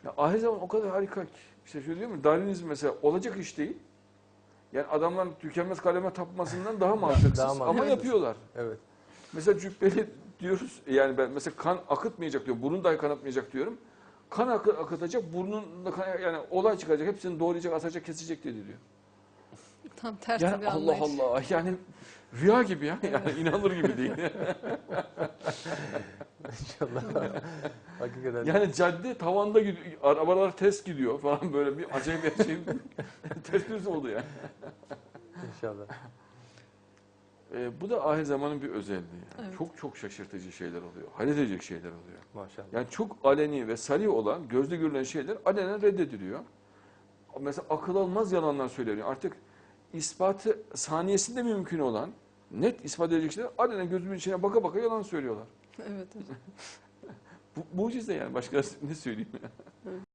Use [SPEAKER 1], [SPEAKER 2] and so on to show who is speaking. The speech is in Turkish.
[SPEAKER 1] Ya ahir zaman o kadar harika ki. İşte şöyle diyor mu? Darwinizm mesela olacak iş değil. Yani adamların tükenmez kaleme tapmasından daha mantıksız
[SPEAKER 2] Daha
[SPEAKER 1] ama
[SPEAKER 2] mantıksız.
[SPEAKER 1] yapıyorlar.
[SPEAKER 2] Evet.
[SPEAKER 1] Mesela cübbeli diyoruz, yani ben mesela kan akıtmayacak diyor, burun dahi kanatmayacak diyorum. Kan akıtacak, burnunda kan, yani olay çıkacak, hepsini doğrayacak, asacak, kesecek dedi diyor.
[SPEAKER 3] Tam tersi
[SPEAKER 1] Yani
[SPEAKER 3] bir
[SPEAKER 1] Allah
[SPEAKER 3] anlayış.
[SPEAKER 1] Allah, yani rüya gibi ya, yani
[SPEAKER 3] Evet.
[SPEAKER 1] inanılır gibi değil.
[SPEAKER 2] İnşallah. Hakikaten.
[SPEAKER 1] Yani cadde tavanda gidiyor, arabalar ters gidiyor falan, böyle bir acayip bir şey, ters düz oldu yani.
[SPEAKER 2] İnşallah.
[SPEAKER 1] Bu da ahir zamanın bir özelliği. Yani.
[SPEAKER 3] Evet.
[SPEAKER 1] Çok çok şaşırtıcı şeyler oluyor, hayret edecek şeyler oluyor.
[SPEAKER 2] Maşallah.
[SPEAKER 1] Yani çok aleni ve sari olan, gözle görülen şeyler alenen reddediliyor. Mesela akıl almaz yalanlar söyleniyor. Artık ispatı saniyesinde mümkün olan, net ispat edecek şeyler alenen gözümün içine baka baka yalan söylüyorlar.
[SPEAKER 3] Evet hocam.
[SPEAKER 1] Bu mucize yani, başka ne söyleyeyim?